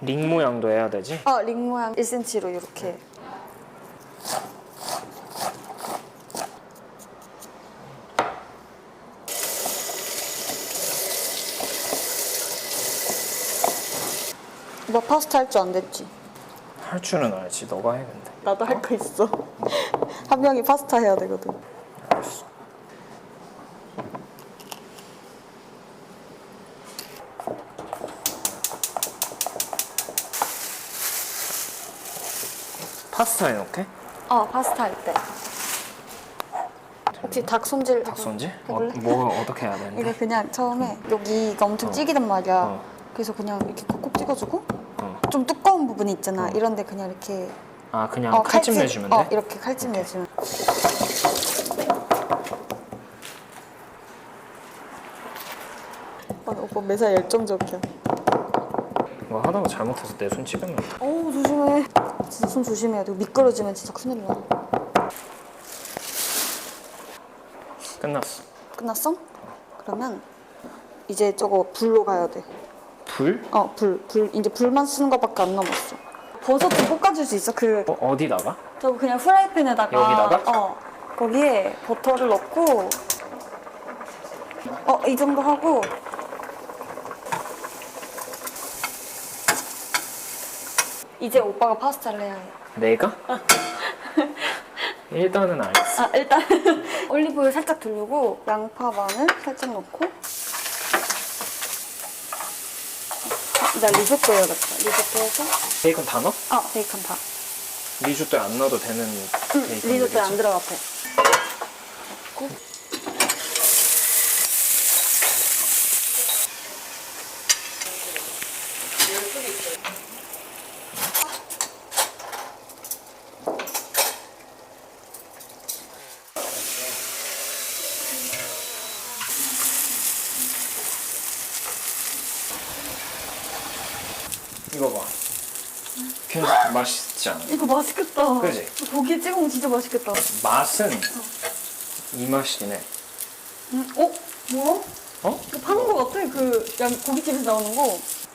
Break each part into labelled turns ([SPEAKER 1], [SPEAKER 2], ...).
[SPEAKER 1] 링 모양도 해야 되지?
[SPEAKER 2] 링 모양 1cm로 이렇게. 오빠 파스타 할 줄 안 됐지?
[SPEAKER 1] 할 줄은 알지. 너가 해 근데.
[SPEAKER 2] 나도 할 거 있어. 한 명이 파스타 해야 되거든.
[SPEAKER 1] 알았어. 파스타 해놓게?
[SPEAKER 2] 파스타 할 때. 혹시 닭 손질?
[SPEAKER 1] 닭 손질?
[SPEAKER 2] 해볼래?
[SPEAKER 1] 뭐 어떻게 해야 되는데?
[SPEAKER 2] 이거 그냥 처음에 여기가 엄청 찌기단 말이야.
[SPEAKER 1] 어.
[SPEAKER 2] 그래서 그냥 이렇게 콕콕 찍어주고
[SPEAKER 1] 어.
[SPEAKER 2] 좀 두꺼운 부분이 있잖아. 이런데 그냥 이렇게
[SPEAKER 1] 그냥 칼집 내주면 돼?
[SPEAKER 2] 이렇게 칼집 내주면. 오빠 매사 열정적이야.
[SPEAKER 1] 뭐 하다가 잘못해서 내 손 찌르면
[SPEAKER 2] 어우 조심해. 진짜 손 조심해야 돼. 미끄러지면 진짜 큰일 나.
[SPEAKER 1] 끝났어.
[SPEAKER 2] 끝났어? 그러면 이제 저거 불로 가야 돼.
[SPEAKER 1] 불?
[SPEAKER 2] 불. 이제 불만 쓰는 것밖에 안 남았어. 버섯 좀 볶아줄 수 있어?
[SPEAKER 1] 어디다가?
[SPEAKER 2] 저 그냥 프라이팬에다가.
[SPEAKER 1] 여기다가?
[SPEAKER 2] 거기에 버터를 넣고. 이 정도 하고. 이제 오빠가 파스타를 해야 해.
[SPEAKER 1] 내가? 일단은 알겠어.
[SPEAKER 2] 일단 올리브오일 살짝 두르고 양파, 마늘 살짝 넣고. 나 리조또 해야겠다. 리조또 해서.
[SPEAKER 1] 베이컨 다 넣어?
[SPEAKER 2] 베이컨 다.
[SPEAKER 1] 리조또에 안 넣어도 되는 베이컨.
[SPEAKER 2] 리조또에 안 들어가 돼. 넣고.
[SPEAKER 1] 이거 봐. 괜찮아. 맛있지 않아?
[SPEAKER 2] 이거 맛있겠다.
[SPEAKER 1] 그지?
[SPEAKER 2] 고기에 찍어 먹으면 진짜 맛있겠다.
[SPEAKER 1] 맛은 이 맛이네.
[SPEAKER 2] 뭐야?
[SPEAKER 1] 어?
[SPEAKER 2] 이거 파는 거 같아. 고깃집에서 나오는 거.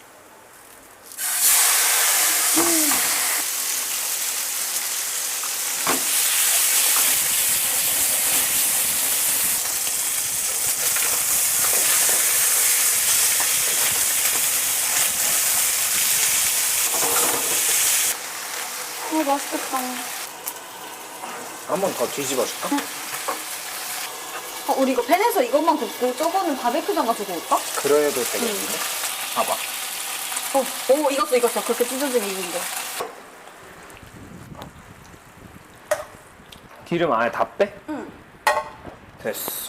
[SPEAKER 2] 맛있겠다.
[SPEAKER 1] 한 번 더 뒤집어 줄까?
[SPEAKER 2] 우리 이거 팬에서 이것만 굽고 저거는 바베큐장 가지고 올까?
[SPEAKER 1] 그래도 되겠는데? 봐봐.
[SPEAKER 2] 익었어. 그렇게 찢어지게 익은데.
[SPEAKER 1] 기름 아예 다 빼?
[SPEAKER 2] 응.
[SPEAKER 1] 됐어.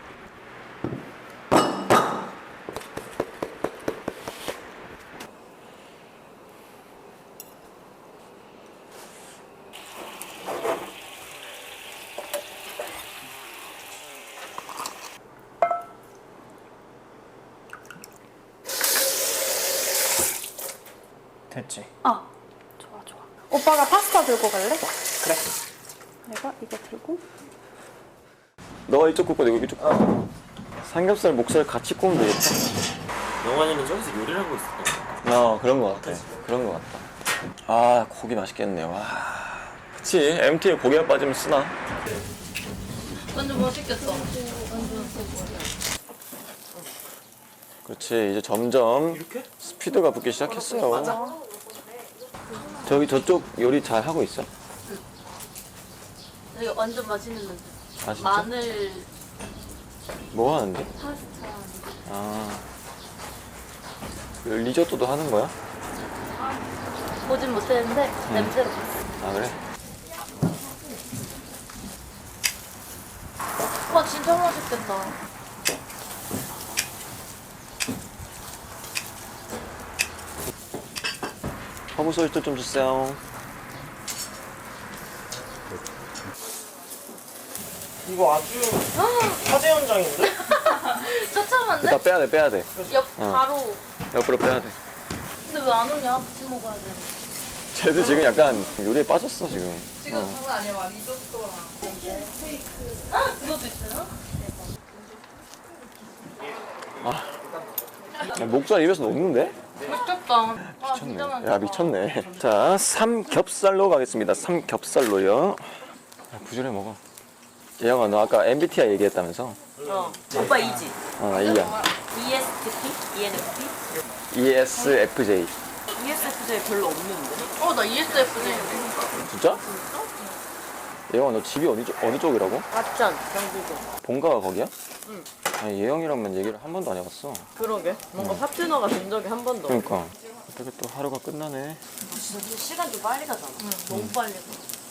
[SPEAKER 1] 됐지?
[SPEAKER 2] 좋아. 오빠가 파스타 들고 갈래?
[SPEAKER 1] 그래.
[SPEAKER 2] 내가 이거 들고.
[SPEAKER 3] 너가 이쪽 굽고 내가 이쪽 굽고. 삼겹살, 목살 같이 구우면 되겠다.
[SPEAKER 4] 영환이는 저기서 요리를 하고 있었던
[SPEAKER 3] 그런 거 같아. 그런 거 같다. 고기 맛있겠네. 와. 그치, MT에 고기가 빠지면 쓰나?
[SPEAKER 5] 완전 맛있겠다.
[SPEAKER 3] 그렇지, 이제 점점 스피드가 붙기 시작했어요. 저쪽 요리 잘 하고 있어?
[SPEAKER 5] 이거 완전 맛있는 냄새.
[SPEAKER 3] 아, 진짜?
[SPEAKER 5] 마늘
[SPEAKER 3] 뭐 하는데?
[SPEAKER 5] 파스타.
[SPEAKER 3] 리조또도 하는 거야?
[SPEAKER 5] 보진 못했는데 냄새로 봤어.
[SPEAKER 3] 그래?
[SPEAKER 5] 와 진짜 맛있겠다.
[SPEAKER 3] 허브 소스도 좀 주세요.
[SPEAKER 1] 이거 아주 화재 현장인데?
[SPEAKER 5] 처참한데?
[SPEAKER 3] 일단 빼야 돼.
[SPEAKER 5] 바로.
[SPEAKER 3] 옆으로 빼야 돼.
[SPEAKER 5] 근데 왜 안 오냐? 같이 먹어야 돼.
[SPEAKER 3] 쟤도 지금 약간 요리에 빠졌어, 지금.
[SPEAKER 5] 장난 아니야. 막 리조또랑 스테이크. 그것도 있어요?
[SPEAKER 3] 목살 입에서 녹는데?
[SPEAKER 5] 미쳤다. 아,
[SPEAKER 3] 미쳤네.
[SPEAKER 5] 진짜 많다.
[SPEAKER 3] 야 미쳤네. 자 삼겹살로 가겠습니다. 삼겹살로요. 부지런히 먹어. 예영아 너 아까 MBTI 얘기했다면서?
[SPEAKER 6] 오빠 이지?
[SPEAKER 3] 나 이야.
[SPEAKER 6] ESTP? ENFP?
[SPEAKER 3] ESFJ.
[SPEAKER 6] ESFJ 별로 없는데.
[SPEAKER 5] 나 ESFJ.
[SPEAKER 3] 진짜? 예영아 너 집이 어느 쪽이라고?
[SPEAKER 6] 맞전, 경기도.
[SPEAKER 3] 본가가 거기야? 응. 아니 예영이랑만 얘기를 한 번도 안 해봤어.
[SPEAKER 6] 그러게. 뭔가 파트너가 된 적이 한 번도 없어.
[SPEAKER 3] 그러니까 어떻게 또 하루가 끝나네.
[SPEAKER 6] 진짜 시간 좀 빨리 가잖아. 너무 빨리 가.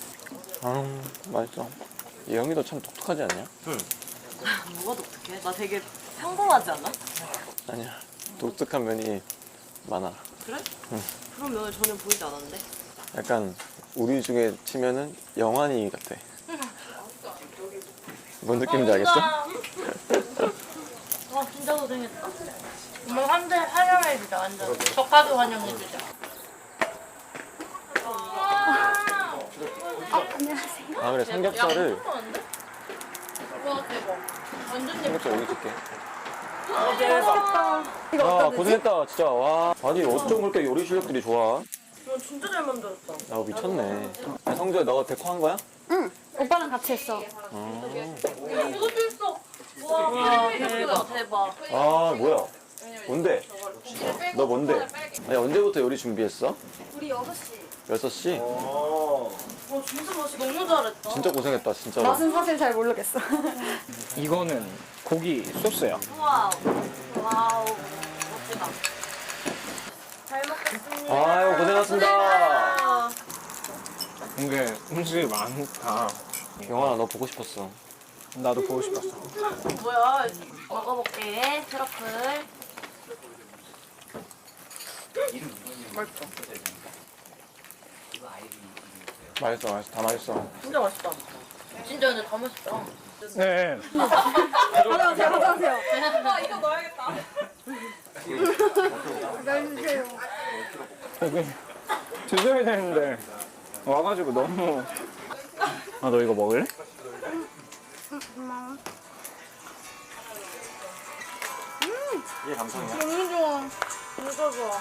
[SPEAKER 3] 맛있어. 예영이도 참 독특하지 않냐?
[SPEAKER 6] 뭐가 독특해? 나 되게 평범하지 않아?
[SPEAKER 3] 아니야. 독특한 면이 많아.
[SPEAKER 6] 그래? 그런 면을 전혀 보이지 않았는데?
[SPEAKER 3] 약간 우리 중에 치면은 영환이 같아. 뭔 느낌인지 알겠어?
[SPEAKER 6] 아 진짜 고생했다.
[SPEAKER 5] 정말 환영해주자, 완전. 저까지 환영해주자.
[SPEAKER 3] 아 그래 삼겹살을
[SPEAKER 5] 와, 대박. 완전 예뻐.
[SPEAKER 3] 삼겹살 여기 줄게.
[SPEAKER 2] 맛있겠다. 이거
[SPEAKER 3] 아
[SPEAKER 2] 어떤
[SPEAKER 3] 고생했다 진짜. 와 아니 어쩜 그렇게 요리 실력들이 좋아?
[SPEAKER 6] 너 진짜 잘 만들었다.
[SPEAKER 3] 아 미쳤네. 야, 성주야 너가 데코 한 거야?
[SPEAKER 2] 응. 오빠랑 같이 했어.
[SPEAKER 5] 이것도 있어.
[SPEAKER 6] 와 대박.
[SPEAKER 3] 아 뭐야? 뭔데? 너 뭔데? 아니 언제부터 요리 준비했어?
[SPEAKER 2] 우리 6시.
[SPEAKER 3] 6시?
[SPEAKER 6] 진짜 맛있어. 너무 잘했다.
[SPEAKER 3] 진짜 고생했다 진짜로.
[SPEAKER 2] 맛은 사실 잘 모르겠어.
[SPEAKER 1] 이거는 고기 소스야.
[SPEAKER 6] 와우. 멋지다. 잘 먹겠습니다.
[SPEAKER 3] 아유 고생하셨습니다.
[SPEAKER 1] 근데 음식이 많다.
[SPEAKER 3] 영환아 너 보고 싶었어.
[SPEAKER 1] 나도 보고 싶었어.
[SPEAKER 6] 뭐야? 먹어볼게. 트러플.
[SPEAKER 3] 맛있어 다 맛있어.
[SPEAKER 6] 진짜 맛있다.
[SPEAKER 5] 진짜 근데 다 맛있다.
[SPEAKER 1] 네.
[SPEAKER 2] 안녕하세요.
[SPEAKER 5] 이거 넣어야겠다.
[SPEAKER 1] 여기 드셔야 되는데 와가지고 너무. 아 너 이거 먹을래?
[SPEAKER 3] 이게 감성이야.
[SPEAKER 5] 너무 좋아. 진짜 좋아.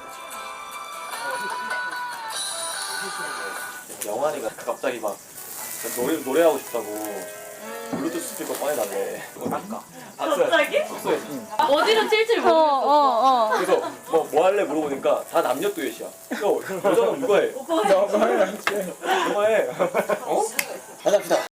[SPEAKER 3] 영환이가 갑자기 막 노래하고 싶다고 블루투스 스피커 꺼내달래. 이거 닦아.
[SPEAKER 6] 갑자기?
[SPEAKER 3] 숙소에.
[SPEAKER 5] 어디로 찔질 모르겠어.
[SPEAKER 3] 그래서 뭐 할래 물어보니까 다 남녀 듀엣이야. 여자는 누가 해? 너가 해. 어? 하자.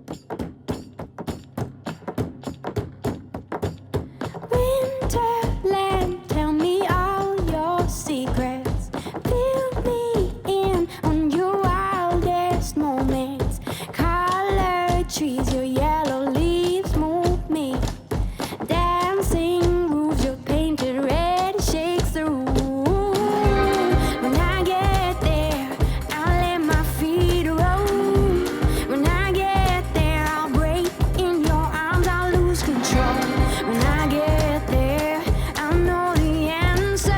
[SPEAKER 7] Winterland, tell me all your secrets. Fill me in on your wildest moments. Colored trees, your yellow leaves move me. Dancing roofs, your painted red shakes the room. When I get there, I'll let my feet roll. When I get there, I'll break in your arms, I'll lose control. When I get there, I'll know the answer.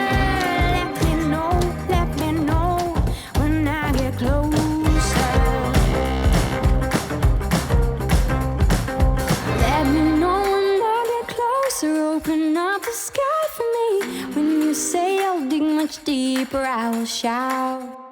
[SPEAKER 7] Let me know when I get closer. Let me know when I get closer. Open up the sky for me. When you say I'll dig much deeper, I will shout.